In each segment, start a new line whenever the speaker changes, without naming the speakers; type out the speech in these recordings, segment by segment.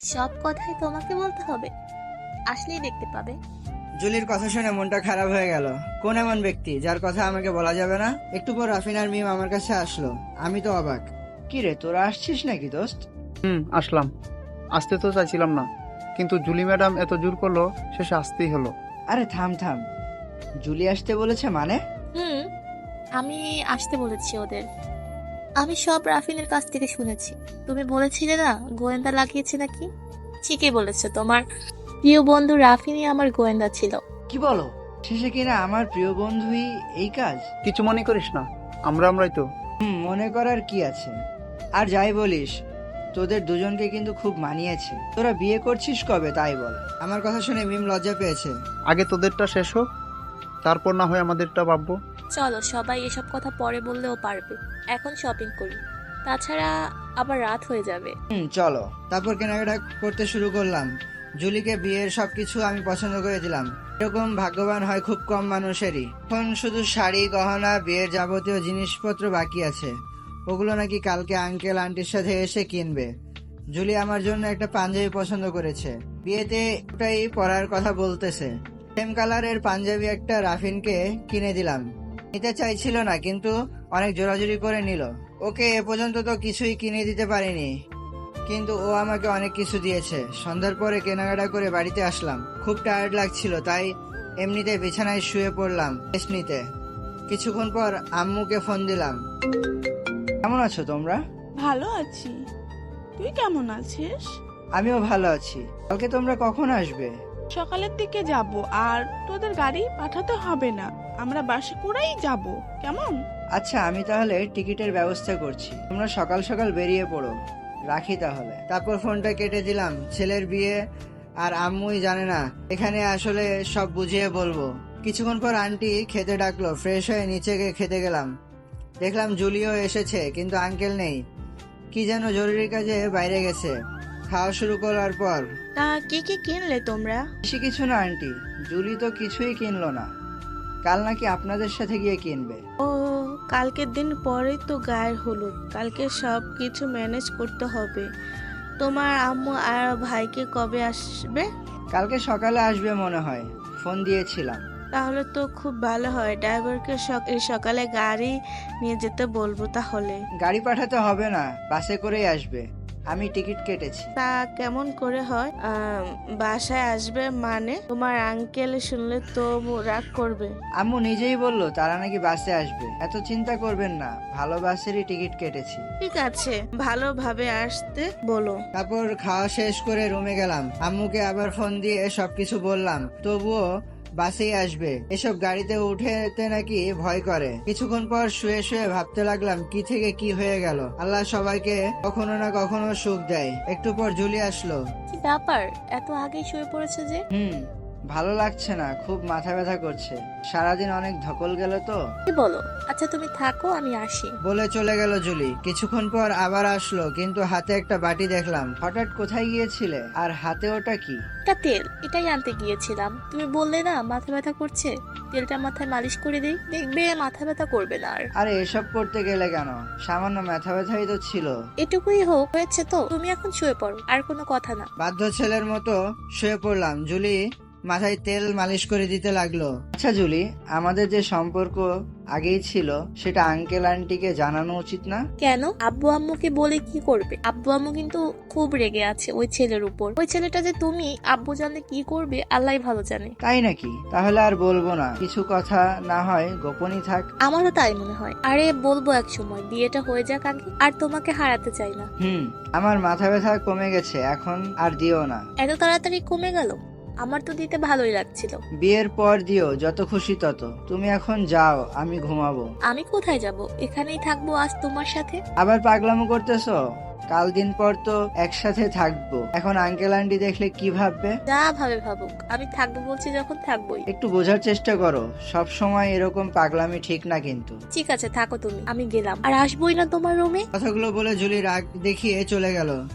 সব কথাই তোমাকে বলতে হবে? আসলেই দেখতে পাবে।
জুলির কথা শুনে মনটা খারাপ হয়ে গেল। কোন এমন ব্যক্তি যার কথা আমাকে বলা যাবে না? একটু পর রাফিন আর মিম আমার কাছে আসলো। আমি তো অবাক। কি রে, তোরা আসছিস নাকি দোস্ত?
আসলাম। আসতে তো চাইছিলাম না, কিন্তু জুলি ম্যাডাম এত জোর করলো, শেষে আসতেই হলো।
আরে থাম থাম, জুলি আসতে বলেছে মানে?
হুম, আমি আসতে বলেছি ওদের। আমি সব রাফিনের কাছ থেকে শুনেছি। তুমি বলেছিলে না গোয়েন্দা লাগিয়েছে নাকি? ঠিকই বলেছো, তোমার প্রিয় বন্ধু রাফিনই আমার গোয়েন্দা ছিল।
কি বলো? শেষে কিনা আমার প্রিয় বন্ধুই এই কাজ?
কিছু মনে করিস না, আমরাই তো।
মনে করার কি আছে? আর যাই বলিস, তোদের দুজনকে কিন্তু খুব মানিয়েছে। তোরা বিয়ে করছিস কবে তাই বল? আমার কথা শুনে মিম লজ্জা পেয়েছে।
আগে তোদেরটা শেষ হোক, তারপর না হয় আমাদেরটা ভাববো।
চলো, সবাই এসব কথা পরে বললেও পারবে। এখন শপিং করি, তাছাড়া আবার রাত হয়ে যাবে।
চলো। তারপর কেনাকাটা করতে শুরু করলাম। জুলিকে বিয়ের সবকিছু আমি পছন্দ করে দিলাম। এরকম ভাগ্যবান হয় খুব কম মানুষেরই। এখন শুধু শাড়ি, গহনা, বিয়ের যাবতীয় জিনিসপত্র বাকি আছে। ওগুলো নাকি কালকে আঙ্কেল আন্টির সাথে এসে কিনবে। জুলি আমার জন্য একটা পাঞ্জাবি পছন্দ করেছে। বিয়েতে ওটাই পরার কথা বলতেছে। সেম কালারের পাঞ্জাবি একটা রাফিনকে কিনে দিলাম। নিতে চাইছিল না, কিন্তু অনেক জোরাজুরি করে নিল। ওকে এ পর্যন্ত তো কিছুই কিনে দিতে পারিনি, কিন্তু ও আমাকে অনেক কিছু দিয়েছে। সন্ধ্যার পরে কেনাকাটা করে বাড়িতে আসলাম। খুব টায়ার্ড লাগছিল, তাই এমনিতে বিছানায় শুয়ে পড়লাম রেস্ট নিতে। কিছুক্ষণ পর আম্মুকে ফোন দিলাম। কেমন আছো তোমরা?
ভালো আছি। তুই কেমন আছিস?
আমিও ভালো আছি। কালকে তোমরা কখন আসবে?
সকালের দিকে যাব, আর তোদের গাড়ি পাঠাতে হবে না, আমরা বাসে করেই যাব। কেমন?
আচ্ছা, আমি তাহলে টিকিটের ব্যবস্থা করছি। তোমরা সকাল সকাল বেরিয়ে পড়ো। রাখি তাহলে। তারপর ফোনটা কেটে দিলাম। ছেলের বিয়ে আর আম্মুই জানে না, এখানে আসলে সব বুঝিয়ে বলবো। কিছুক্ষণ পর আন্টি খেতে ডাকলো। ফ্রেশ হয়ে নিচে গিয়ে খেতে গেলাম। দেখলাম জুলিও এসেছে, কিন্তু আঙ্কেল নেই। কি যেন জরুরি কাজে বাইরে গেছে। খাওয়া শুরু করার পর,
তা কি কি কিনলে তোমরা?
বেশি কিছু না আন্টি, জুলি তো কিছুই কিনলো না। কাল নাকি আপনাদের সাথে গিয়ে কিনবে।
ও, কালকের দিন পরেই তো গায়ের হলুদ। কালকে সব কিছু ম্যানেজ করতে হবে। তোমার আম্মু আর ভাইকে কবে আসবে?
কালকে সকালে আসবে মনে হয়, ফোন দিয়েছিলাম।
তাহলে তো খুব ভালো হয়, ড্রাইভারকে সকালে গাড়ি নিয়ে যেতে বলবো তাহলে।
গাড়ি পাঠাতে হবে না, বাসে করেই আসবে। আমি টিকিট কেটেছি।
তা কেমন করে হয়? বাসায় আসবে মানে? তোমার আঙ্কেল শুনলে তো রাগ করবে।
আম্মু নিজেই বললো তারা নাকি বাসে আসবে। এত চিন্তা করবেন না, ভালো বাসেরই টিকিট কেটেছি।
ঠিক আছে, ভালোভাবে আসতে বলো।
তারপর খাওয়া শেষ করে রুমে গেলাম। আম্মুকে আবার ফোন দিয়ে সবকিছু বললাম, তবুও বাসেই আসবে। এসব গাড়িতে উঠেতে নাকি ভয় করে। কিছুক্ষণ পর শুয়ে শুয়ে ভাবতে লাগলাম কি থেকে কি হয়ে গেল। আল্লাহ সবাইকে কখনো না কখনো সুখ দেয়। একটু পর জুলি আসলো।
কি ব্যাপার, এত আগেই শুয়ে পড়েছে যে?
ভালো লাগছে না, খুব মাথা ব্যথা করছে। সারাদিন অনেক ধকল গেল তো।
কি বলো? আচ্ছা তুমি থাকো, আমি আসি।
বলে চলে গেল জুলি। কিছুক্ষণ পর আবার আসলো, কিন্তু হাতে একটা বাটি দেখলাম। হঠাৎ কোথায় গিয়েছিলে, আর হাতে ওটা কি?
এটা তেল, এটাই আনতে গিয়েছিলাম। তুমি বললে না মাথা ব্যথা করছে, তেলটা মাথায় মালিশ করে দিই, দেখবে মাথা ব্যথা করবে না আর।
আরে এসব করতে গেলে কেন, সামান্য মাথা ব্যথাই তো ছিল।
এটুকুই হোক, হয়েছে তো। তুমি এখন শুয়ে পড়ো, আর কোনো কথা না।
বাধ্য ছেলের মতো শুয়ে পড়লাম। জুলি মাথায় তেল মালিশ করে দিতে লাগলো। আচ্ছা জুলি, আমাদের যে সম্পর্ক আগেই ছিল, সেটা আঙ্কেল আন্টিকে জানানো উচিত না?
কেন? আব্বু আম্মুকে বলে কি করবে? আব্বু আম্মু কিন্তু খুব রেগে আছে ওই ছেলের উপর। ওই ছেলেটা যে তুমি, আব্বু জানলে কি করবে আল্লাহই ভালো জানে।
তাই নাকি? তাহলে আর বলবো না, কিছু কথা না হয় গোপনই থাক।
আমারও তাই মনে হয়। আরে বলবো এক সময়, বিয়েটা হয়ে যাক আগে। আর তোমাকে হারাতে চাই না।
আমার মাথা ব্যথা কমে গেছে, এখন আর দিও না।
এত তাড়াতাড়ি কমে গেল? আমার তো দিতে ভালোই লাগছিল।
বিয়ের পর দিও, যত খুশি তত। তুমি এখন যাও, আমি ঘুমাবো।
আমি কোথায় যাব? এখানেই থাকবো আজ তোমার সাথে।
আবার পাগলামো করতেছো? কাল দিন পর তো একসাথে থাকবো। এখন আঙ্কেল আন্টি দেখলে কি ভাববে?
যা ভাবে ভাবুক, আমি থাকবো বলছি যখন থাকবোই।
একটু বোঝার চেষ্টা করো, সব সময় এরকম পাগলামি ঠিক না কিন্তু।
ঠিক আছে, থাকো তুমি, আমি গেলাম। আর আসবোই না তোমার রুমে।
কথাগুলো বলে জুলি রাগ দেখিয়ে চলে গেল।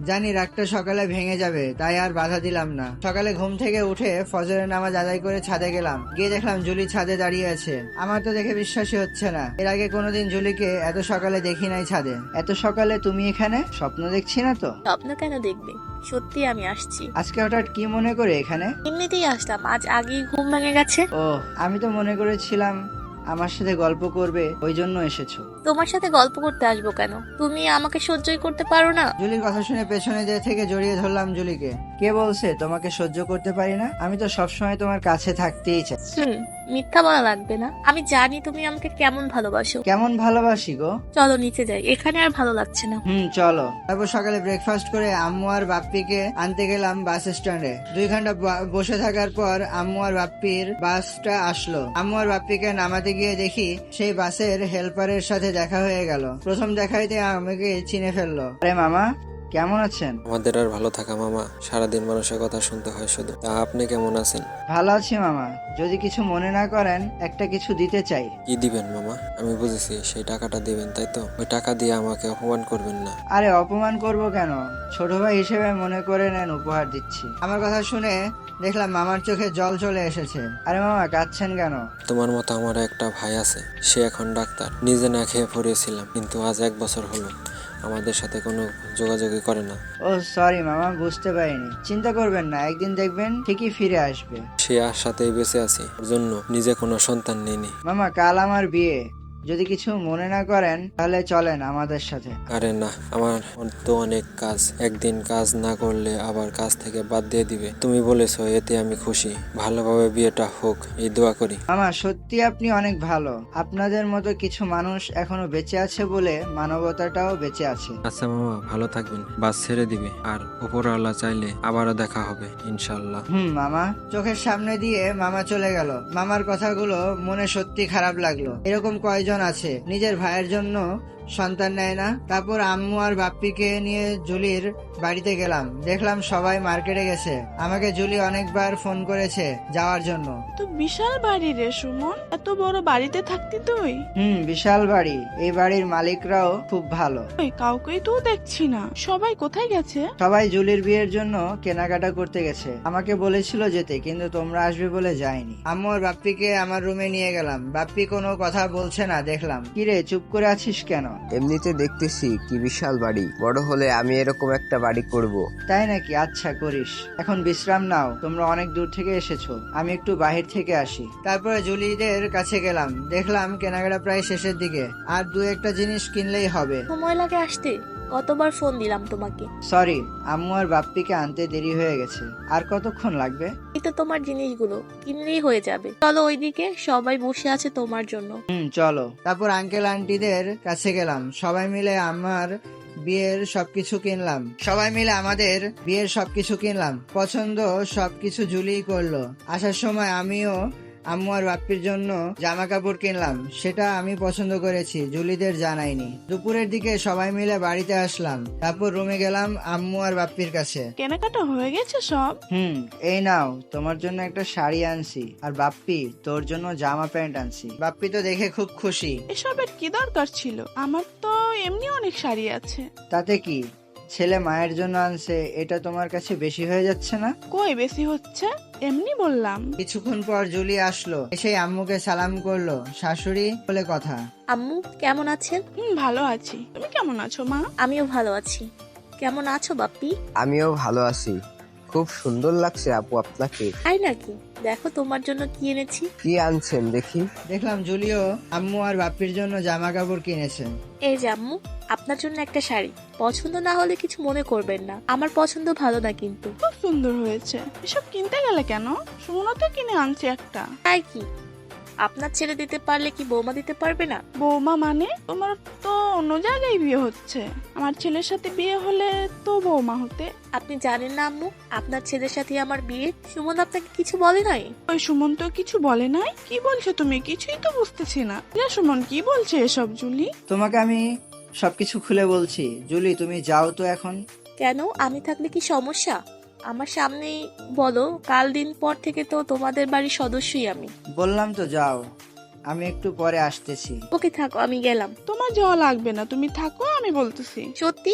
জানি রাগটা সকালে ভেঙে যাবে, তাই আর বাধা দিলাম না। সকালে ঘুম থেকে উঠে ফজরের নামাজ আদায় করে ছাদে গেলাম। গিয়ে দেখলাম জুলি ছাদে দাঁড়িয়ে আছে। আমার তো দেখে বিশ্বাসই হচ্ছে না, এর আগে কোনোদিন জুলিকে এত সকালে দেখি নাই ছাদে। এত সকালে তুমি এখানে? স্বপ্ন দেখছি না তো?
স্বপ্ন কেন দেখবে, সত্যি আমি আসছি।
আজকে হঠাৎ কি মনে করে এখানে?
এমনিতেই আসলাম, আজ আগেই ঘুম ভেঙে গেছে।
ও, আমি তো মনে করেছিলাম আমার সাথে গল্প করবে, ওই জন্য এসেছো।
তোমার সাথে গল্প করতে আসবো কেন? তুমি আমাকে সহ্যই করতে পারো না?
জুলির কথা শুনে পেছনে থেকে জড়িয়ে ধরলাম জুলিকে। কে বলছে তোমাকে সহ্য করতে পারি না? আমি তো সবসময় তোমার কাছে থাকতেই চাই।
মিথ্যা বলা লাগবে না, আমি জানি তুমি আমাকে কেমন ভালোবাসো।
কেমন ভালোবাসি গো?
চলো নিচে যাই, এখানে আর ভালো লাগছে না।
চলো। তারপর সকালে ব্রেকফাস্ট করে আম্মু আর বাপ্পিকে আনতে গেলাম বাস স্ট্যান্ডে। 2 ঘন্টা বসে থাকার পর আম্মু আর বাপ্পির বাসটা আসলো। আম্মু আর বাপ্পিকে নামাতে গিয়ে দেখি সেই বাসের হেল্পারের সাথে দেখা হয়ে গেল। প্রথম দেখাইতে আমাকে চিনে ফেললো। আরে মামা, কেমন আছেন?
আমাদের আর ভালো থাকা মামা, সারাদিন মানুষের কথা শুনতে হয় শুধু। তা আপনি কেমন আছেন?
ভালো আছি মামা, যদি কিছু মনে না করেন একটা কিছু দিতে চাই।
কি দিবেন মামা? আমি বুঝেছি, সেই টাকাটা দিবেন তাই তো? ওই টাকা দিয়ে আমাকে অপমান করবেন না।
আরে অপমান করব কেন, ছোট ভাই হিসেবে মনে করে নেন, উপহার দিচ্ছি। আমার কথা শুনে দেখলাম মামার চোখে জল চলে এসেছে। আরে মামা, কাঁদছেন কেন?
তোমার মতো আমার একটা ভাই আছে, সে এখন ডাক্তার। নিজে না খেয়ে পড়েছিলাম, কিন্তু আজ 1 বছর হলো আমাদের সাথে কোনো যোগাযোগই করে না।
ও সরি মামা, বুঝতে পারিনি। চিন্তা করবেন না, একদিন দেখবেন ঠিকই ফিরে আসবে।
সে আর সাথেই বেঁচে আছে, ওর জন্য নিজে কোনো সন্তান নেইনি।
মামা, কাল আমার বিয়ে, যদি কিছু মনে না করেন তাহলে চলেন আমাদের সাথে।
আরে না, আমার তো অনেক কাজ, একদিন কাজ না করলে আবার কাজ থেকে বাদ দিয়ে দিবে। তুমি বলেছো, এতে আমি খুশি। ভালোভাবে বিয়েটা হোক, এই দোয়া করি।
মামা, সত্যি আপনি অনেক ভালো। আপনাদের মতো কিছু মানুষ এখনো বেঁচে আছে বলে মানবতাটাও বেঁচে আছে।
আচ্ছা মামা, ভালো থাকবেন। বাস ছেড়ে দিবে, আর উপরওয়ালা চাইলে আবারও দেখা হবে ইনশাল্লাহ।
মামা। চোখের সামনে দিয়ে মামা চলে গেল। মামার কথাগুলো মনে সত্যি খারাপ লাগলো। এরকম কয়জন আছে নিজের ভাইয়ের জন্য সন্তান নেয় না? তারপর আম্মু আর বাপ্পিকে নিয়ে জুলির বাড়িতে গেলাম। দেখলাম সবাই মার্কেটে গেছে। আমাকে জুলি অনেকবার ফোন করেছে যাওয়ার জন্য।
তো বিশাল বাড়ি রে সুমন, এত বড় বাড়িতে থাকতি তুই?
বিশাল বাড়ি। এই বাড়ির মালিকরাও খুব ভালো।
ওই কাউকেই তো দেখছি না, সবাই কোথায় গেছে?
সবাই জুলির বিয়ের জন্য কেনাকাটা করতে গেছে। আমাকে বলেছিল যেতে, কিন্তু তোমরা আসবে বলে যায়নি। আম্মু আর বাপ্পিকে আমার রুমে নিয়ে গেলাম। বাপ্পি কোনো কথা বলছে না দেখলাম। কিরে, চুপ করে আছিস কেন?
এমনিতে দেখতেছি কি বিশাল বাড়ি, বড় হলে আমি এরকম একটা বাড়ি করব।
তাই নাকি? আচ্ছা, করিস। এখন বিশ্রাম নাও, তোমরা অনেক দূর থেকে এসেছো, আমি একটু বাহির থেকে আসি। তারপরে জুলিদের কাছে গেলাম। দেখলাম কেনাকাটা প্রায় শেষের দিকে, আর 2-1টা জিনিস কিনলেই হবে।
সময় লাগে আসতে, কতবার ফোন দিলাম তোমাকে।
সরি, আম্মু আর বাপ্পিকে আনতে দেরি হয়ে গেছে। আর কতক্ষণ লাগবে?
এই তো তোমার জিনিসগুলো কিনলেই হয়ে যাবে। চলো ওইদিকে, সবাই বসে আছে তোমার জন্য।
চলো। তারপর আঙ্কেল আন্টিদের কাছে গেলাম। সবাই মিলে আমাদের বিয়ের সবকিছু কিনলাম। পছন্দ সবকিছু জুলিই করলো। আসার সময় আমিও আম্মু আর বাপ্পির জন্য জামা কাপড় কিনলাম। সেটা আমি পছন্দ করেছি, জুলিদের জানাইনি। দুপুরের দিকে সবাই মিলে বাড়িতে আসলাম। তারপর রুমে গেলাম আম্মু আর বাপ্পির কাছে।
কেনাকাটা হয়ে গেছে সব?
এই নাও, তোমার জন্য একটা শাড়ি আনছি, আর বাপ্পি তোর জন্য জামা প্যান্ট আনছি। বাপ্পি তো দেখে খুব খুশি।
এসবের কি দরকার ছিল? আমার তো এমনি অনেক শাড়ি আছে।
তাতে কি, ছেলে মায়ের জন্য আনছে, এটা তোমার কাছে বেশি হয়ে যাচ্ছে না?
কই বেশি হচ্ছে, এমনি বললাম।
কিছুক্ষণ পর জুলি আসলো। এসে আম্মুকে সালাম করলো। শাশুড়ি বলে কথা।
আম্মু কেমন আছেন?
ভালো আছি, তুমি কেমন আছো মা?
আমিও ভালো আছি। কেমন আছো বাপ্পি?
আমিও ভালো আছি। খুব সুন্দর লাগছে আপু আপনাকে।
তাই নাকি? দেখো তোমার জন্য কি এনেছি।
কি আনছেন দেখি?
দেখলাম জুলিও আম্মু আর বাপ্পির জন্য জামা কাপড় কিনেছেন।
এই যে আম্মু, আপনার জন্য একটা শাড়ি। পছন্দ না হলে কিছু মনে করবেন না, আমার পছন্দ ভালো না কিন্তু।
খুব সুন্দর হয়েছে। এসব কিনতে গেলে কেন? সুমনও তো কিনে আনছে একটা।
তাই কি? আপনার ছেলে দিতে পারলে কি বৌমা দিতে পারবে না?
বৌমা মানে? তোমার তো অন্য জায়গায় বিয়ে হচ্ছে। আমার ছেলের সাথে বিয়ে হলে তো বৌমা হতে।
আপনি জানেন না আম্মু, আপনার ছেলের সাথে আমার বিয়ে। সুমন আপনাকে কিছু বলে নাই?
ওই সুমন তো কিছু বলে নাই। কি বলছো তুমি? কিছুই তো বুঝতেছি না। সুমন কি বলছে এসব জুলি?
তোমাকে আমি সবকিছু খুলে বলছি। জুলি, তুমি যাও তো এখন।
কেন? আমি থাকলে কি সমস্যা? আমার সামনেই বলো, কাল দিন পর থেকে তো তোমাদের বাড়ির সদস্যই আমি।
বললাম তো যাও, আমি একটু পরে আসতেছি।
ওকে থাকো, আমি গেলাম।
তোমার যাওয়া লাগবে না, তুমি থাকো, আমি বলতেছি।
সত্যি?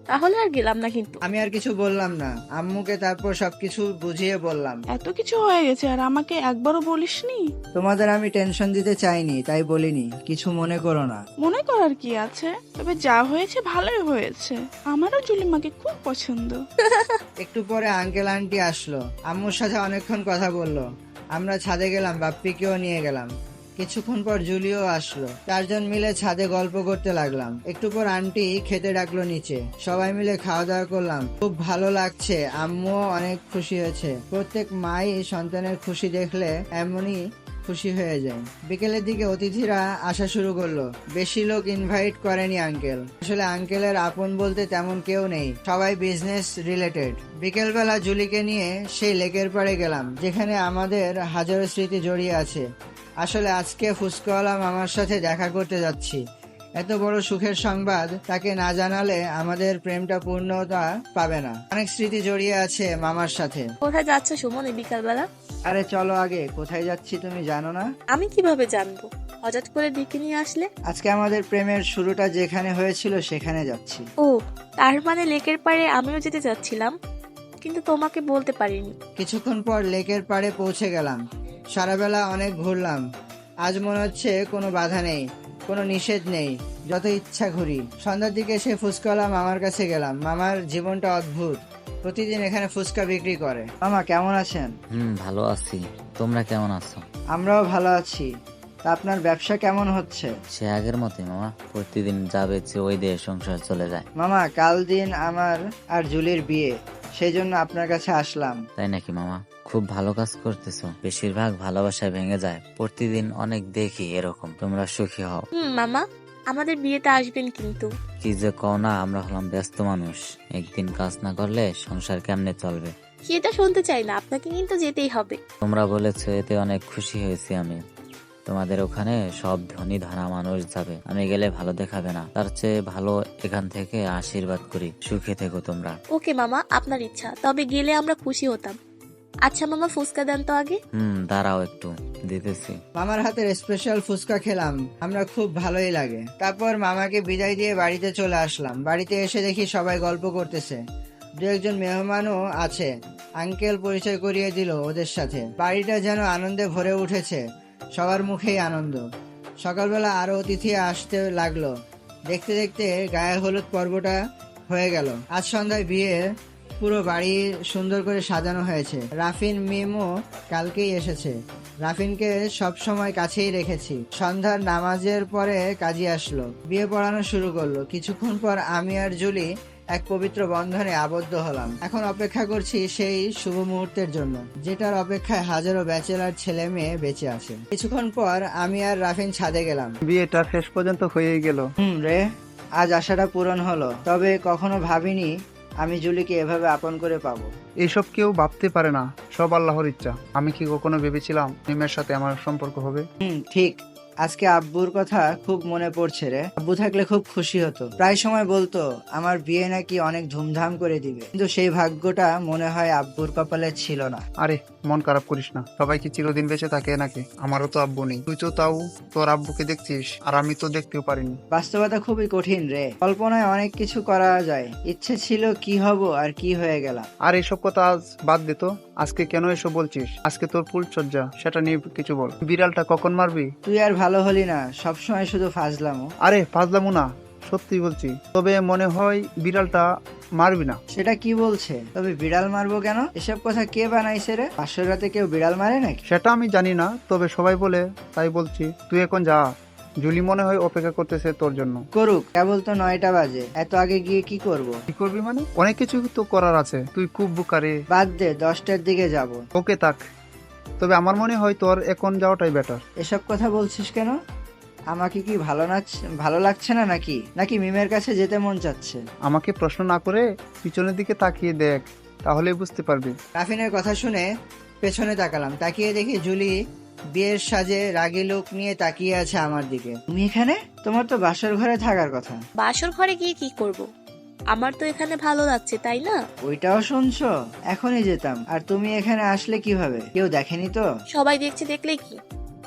তাহলে আর গেলাম না কিন্তু।
আমি আর কিছু বললাম না, আম্মুকে তারপর সবকিছু বুঝিয়ে বললাম।
এত কিছু হয়ে গেছে আর আমাকে একবারও বলিসনি?
তোমাদের আমি টেনশন দিতে চাইনি, তাই বলিনি, কিছু মনে করো না।
মনে করার কি আছে, তবে যা হয়েছে ভালোই হয়েছে। আমারও জুলিমাকে খুব পছন্দ।
একটু পরে আঙ্কেল আন্টি আসলো, আম্মুর সাথে অনেকক্ষণ কথা বললো। আমরা ছাদে গেলাম, বাপ্পিকেও নিয়ে গেলাম। কিছুক্ষণ পর জুলিও আসলো, 4 জন মিলে ছাদে গল্প করতে লাগলাম। একটু পর আন্টি খেতে ডাকলো নিচে, সবাই মিলে খাওয়া দাওয়া করলাম। খুব ভালো লাগছে, আম্মুও অনেক খুশি হয়েছে। প্রত্যেক মাই সন্তানের খুশি দেখলে এমনই খুশি হয়ে যায়। বিকেলের দিকে অতিথিরা আসা শুরু করলো। বেশি লোক ইনভাইট করেনি আঙ্কেল, আসলে আঙ্কেলের আপন বলতে তেমন কেউ নেই, সবাই বিজনেস রিলেটেড। বিকেলবেলা জুলিকে নিয়ে সেই লেকের পাড়ে গেলাম, যেখানে আমাদের হাজারো স্মৃতি জড়িয়ে আছে। আসলে আজকে ফুচকাওয়ালা মামার সাথে দেখা করতে যাচ্ছি। এত বড় সুখের সংবাদ তাকে না জানালে আমাদের প্রেমটা পূর্ণতা পাবে না। অনেক স্মৃতি জড়িয়ে আছে মামার সাথে।
কোথায় যাচ্ছ সুমন এই বিকালবেলা?
আরে চলো আগে, কোথায় যাচ্ছি তুমি জানো না?
আমি কিভাবে জানবো? হঠাৎ করে ডেকে নিয়ে আসলে।
আজকে আমাদের প্রেমের শুরুটা যেখানে হয়েছিল সেখানে যাচ্ছি।
ও, তার মানে লেকের পাড়ে আমিও যেতে চাচ্ছিলাম, কিন্তু তোমাকে বলতে পারিনি।
কিছুক্ষণ পর লেকের পাড়ে পৌঁছে গেলাম। সারাবেলা অনেক ঘুরলাম, আজ মনে হচ্ছে কোনো বাধা নেই, কোনো নিষেধ নেই, যত ইচ্ছা ঘুরি। সন্ধ্যার দিকে সে ফুচকাওয়ালা মামার কাছে গেলাম। মামার জীবনটা অদ্ভুত, প্রতিদিন এখানে ফুচকা বিক্রি করে। মামা কেমন আছেন?
ভালো আছি। তোমরা কেমন আছো?
আমরাও ভালো আছি। তা আপনার ব্যবসা কেমন হচ্ছে?
সে আগের মতোই মামা, প্রতিদিন যা বেচে ওই দিয়ে সংসার চলে যায়।
মামা কাল দিন আমার আর জুলির বিয়ে, সেই জন্য আপনার কাছে আসলাম।
তাই নাকি মামা? খুব ভালো কাজ করতেছো। বেশিরভাগ ভালোবাসায় ভেঙে যায়, প্রতিদিন অনেক দেখি এরকম। তোমরা সুখী হও।
মামা, আমাদের বিয়েতে আসবেন কিন্তু।
কি যে কও না, আমরা হলাম ব্যস্ত মানুষ, একদিন কাজ না করলে সংসার কেমনে চলবে?
সেটা শুনতে চাই না, আপনাকে কিন্তু যেতেই হবে।
তোমরা বলেছো, এতে অনেক খুশি হয়েছি আমি। তোমাদের ওখানে সব ধনী ধরা মানুষ যাবে, আমি গেলে ভালো দেখাবে না। তার চেয়ে ভালো এখান থেকে আশীর্বাদ করি, সুখে থেকো তোমরা।
ওকে মামা, আপনার ইচ্ছা, তবে গেলে আমরা খুশি হতাম। আচ্ছা মামা, ফুচকা দেন তো আগে।
দাঁড়াও একটু দিতেছি।
মামার হাতের স্পেশাল ফুচকা খেলাম, আমরা খুব ভালোই লাগে। তারপর মামাকে বিদায় দিয়ে বাড়িতে চলে আসলাম। বাড়িতে এসে দেখি সবাই গল্প করতেছে, 2-1 মেহমানও আছে। আঙ্কেল পরিচয় করিয়ে দিল ওদের সাথে। বাড়িটা যেন আনন্দে ভরে উঠেছে, সবার মুখেই আনন্দ। সকালবেলা আরো অতিথি আসতে লাগলো। দেখতে দেখতে গায়ে হলুদ পর্বটা হয়ে গেল। আজ সন্ধ্যায় বিয়ে, পুরো বাড়ি সুন্দর করে সাজানো হয়েছে। রাফিন মিমও কালকেই এসেছে। রাফিনকে সব সময় কাছেই রেখেছি। সন্ধ্যার নামাজের পরে কাজী আসলো, বিয়ে পড়ানো শুরু করলো। কিছুক্ষণ পর আমি আর জুলি এক পবিত্র বন্ধনে আবদ্ধ হলাম। এখন অপেক্ষা করছি সেই শুভ মুহূর্তের জন্য, যেটার অপেক্ষায় হাজারো ব্যাচেলার ছেলে মেয়ে বেঁচে আছে। কিছুক্ষণ পর আমি আর রাফিন ছাদে গেলাম।
বিয়েটা শেষ পর্যন্ত হয়েই গেল।
রে, আজ আশাটা পূরণ হলো। তবে কখনো ভাবিনি আমি জুলিকে এভাবে আপন করে পাবো।
এইসব কেউ ভাবতে পারে না, সব আল্লাহর ইচ্ছা। আমি কি কখনো ভেবেছিলাম নিমের সাথে আমার সম্পর্ক হবে?
ঠিক। আজকে আব্বুর কথা খুব মনে পড়ছে রে। আব্বু থাকলে খুব খুশি হতো, প্রায় সময় বলতো আমার বিয়ে নাকি অনেক ধুমধাম করে দিবে, কিন্তু সেই ভাগ্যটা মনে হয় আব্বুর কপালে ছিল না।
আরে মন খারাপ করিস না, সবাই কি চিরদিন বেঁচে থাকে নাকি? আমারও তো আব্বু নেই, তুই তো তাও তোর আব্বুকে দেখছিস, আর আমি তো দেখতেও পারিনি।
বাস্তবতা খুবই কঠিন রে, কল্পনায় অনেক কিছু করা যায়। ইচ্ছে ছিল কি হব আর কি হয়ে গেলাম।
আর এসব কথা আজ বাদ দে তো, আজকে কেন এসব বলছিস? আজকে তোর ফুলসজ্জা, সেটা নিয়ে কিছু বল। বিড়ালটা কখন মারবি?
তুই আর ভালো হলি না, সবসময় শুধু ফাজলামো।
আরে ফাজলামু না, সত্যি বলছি। তবে মনে হয় বিড়ালটা মারবি না।
সেটা কি বলছে? তবে বিড়াল মারবো কেন? এসব কথা কে বানাইছে রে? পাশের রাতে কেউ বিড়াল মারে নাকি?
সেটা আমি জানি না, তবে সবাই বলে তাই বলছি। তুই এখন যা, জুলি মনে হয় অপেক্ষা করতেছে তোর জন্য।
করুক, কেবল তো 9টা বাজে, এত আগে গিয়ে কি করব?
কি করবি মানে? অনেক কিছু তো করার আছে, তুই খুব বুকারে।
বাদ দে, 10টার দিকে যাব।
ওকে থাক, তবে আমার মনে হয় তোর এখন যাওয়াটাই বেটার।
এসব কথা বলছিস কেন? আমাকে কি ভালো লাগছে না নাকি? নাকি মিমের কাছে যেতে মন চাচ্ছে?
আমাকে প্রশ্ন না করে পিছনের দিকে তাকিয়ে দেখ, তাহলেই বুঝতে পারবি।
রাফিনের কথা শুনে পেছনে তাকালাম, তাকিয়ে দেখি জুলি বিয়ের সাজে রাগী লোক নিয়ে তাকিয়ে আছে আমার দিকে। তুমি এখানে? তোমার তো বাসর ঘরে থাকার কথা।
বাসর ঘরে গিয়ে কি করব? আমার তো এখানে ভালো লাগছে, তাই না?
ওইটাও শুনছো? এখনই যেতাম। আর তুমি এখানে আসলে কিভাবে? কেউ দেখেনি তো?
সবাই দেখছে, দেখলে কি?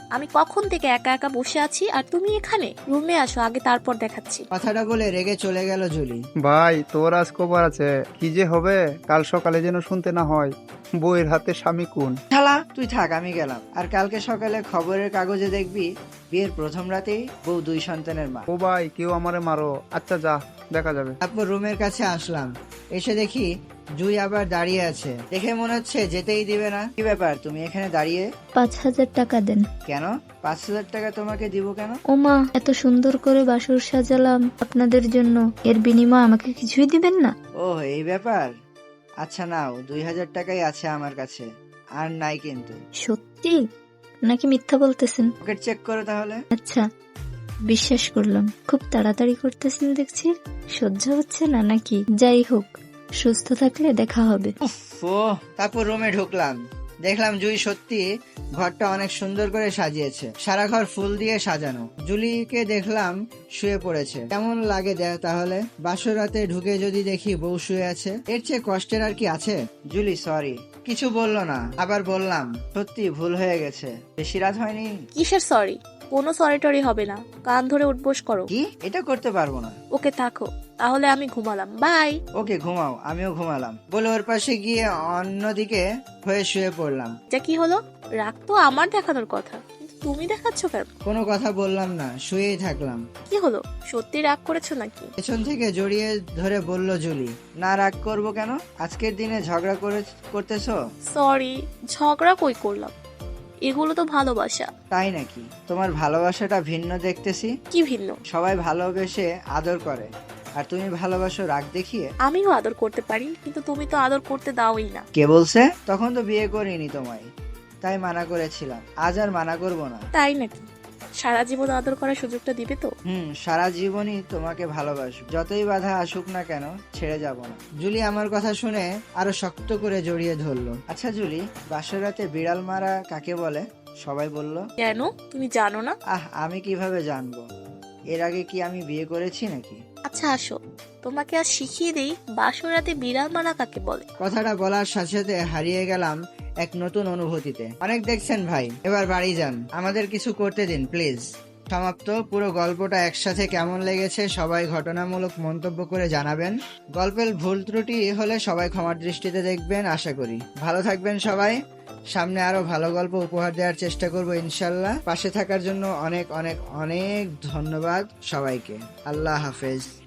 আমি কখন থেকে একা একা বসে আছি আর তুমি এখানে? রুমে আসো আগে, তারপর দেখাচ্ছি।
কথাটা বলে রেগে চলে গেল জুলি।
ভাই তোর আজ খবর আছে, কি যে হবে কাল সকালে যেন শুনতে না হয় বউয়ের হাতে স্বামী খুন।
শালা তুই থাক, আমি গেলাম। আর কালকে সকালে খবরের কাগজে দেখবি বিয়ের প্রথম রাতেই বউ 2 সন্তানের মা।
ও ভাই কেউ আমারে মারো। আচ্ছা যা, দেখা যাবে।
তারপর রুমের কাছে আসলাম, এসে দেখি জুই আবার দাঁড়িয়ে আছে। দেখে মনে হচ্ছে যেতেই দিবে না। কি ব্যাপার, তুমি এখানে দাঁড়িয়ে?
5,000 টাকা দেন।
কেন? 5,000 টাকা তোমাকে দিব কেন?
ওমা, এত সুন্দর করে বাসর সাজালাম আপনাদের জন্য, এর বিনিময়ে আমাকে কিছুই দিবেন না?
ও এই ব্যাপার। আচ্ছা নাও, 2,000 টাকাই আছে আমার কাছে, আর নাই কিন্তু।
সত্যি নাকি মিথ্যা বলতেছেন?
পকেট চেক করো তাহলে।
আচ্ছা, বিশ্বাস করলাম। খুব তাড়াতাড়ি করতেছেন দেখছি, সহ্য হচ্ছে না নাকি? যাই হোক, সুস্থ থাকলে দেখা হবে।
ও তারপর রুমে ঢুকলাম, দেখলাম জুই সত্যি ঘরটা অনেক সুন্দর করে সাজিয়েছে। সারা ঘর ফুল দিয়ে সাজানো। জুলিকে দেখলাম শুয়ে পড়েছে। কেমন লাগে তাহলে? বাসর রাতে ঢুকে যদি দেখি বউ শুয়ে আছে, এর চেয়ে কষ্টের আর কি আছে? Julie sorry. কিছু বললো না। আবার বললাম সত্যি ভুল হয়ে গেছে, বেশি রাত হয়নি।
কিসের সরি? কোনো সরি টরি হবে না, কান ধরে উঠবোস করো।
কি? এটা করতে পারবো না।
ওকে থাকো, তাহলে আমি ঘুমালাম, বাই।
ওকে ঘুমাও, আমিও ঘুমালাম বলে ওর পাশে গিয়ে অন্যদিকে হয়ে শুয়ে পড়লাম।
যা কি হলো? রাগ তো আমার দেখানোর কথা, কিন্তু তুমি দেখাচ্ছ কেন?
কোনো কথা বললাম না, শুয়েই থাকলাম।
কি হলো, সত্যি রাগ করেছো নাকি?
পেছন থেকে জড়িয়ে ধরে বলল জুলি। না রাগ করব কেন? আজকের দিনে ঝগড়া করতেছো?
সরি, ঝগড়া কই করলাম, এগুলো তো ভালোবাসা।
তাই নাকি? তোমার ভালোবাসাটা ভিন্ন দেখতেছি।
কি ভিন্ন?
সবাই ভালোবেসে আদর করে, আর তুমি ভালোবাসো রাগ দেখিয়ে।
আমিও আদর করতে পারি, কিন্তু তুমি তো আদর করতে দাওই না।
কে বলছে? তখন তো বিয়ে করিনি তোমায়, তাই মানা করেছিলাম। আজ আর মানা করব না।
তাই নাকি? সারা জীবন আদর করার সুযোগটা দিবে তো?
সারা জীবনই তোমাকে ভালোবাসো, যতই বাধা আসুক না কেন ছেড়ে যাব না। জুলি আমার কথা শুনে আরো শক্ত করে জড়িয়ে ধরলো। আচ্ছা জুলি, বাসর রাতে বিড়াল মারা কাকে বলে? সবাই বলল।
কেন, তুমি জানো না?
আমি কিভাবে জানবো? এর আগে কি আমি বিয়ে করেছি নাকি?
আচ্ছা আসো, তোমাকে আর শিখিয়ে দেই বাসরাতে বিড়াল মারা কাকে বলে।
কথাটা বলার সাথে সাথে হারিয়ে গেলাম এক নতুন অনুভূতিতে। অনেক দেখছেন ভাই, এবার বাড়ি যান, আমাদের কিছু করতে দিন প্লিজ। সমাপ্ত। পুরো গল্পটা একসাথে কেমন লেগেছে সবাই ঘটনামূলক মন্তব্য করে জানাবেন। গল্পের ভুল ত্রুটি হলে সবাই ক্ষমার দৃষ্টিতে দেখবেন আশা করি। ভালো থাকবেন সবাই। সামনে আরো ভালো গল্প উপহার দেওয়ার চেষ্টা করব ইনশাল্লাহ। পাশে থাকার জন্য অনেক অনেক অনেক ধন্যবাদ সবাইকে। আল্লাহ হাফেজ।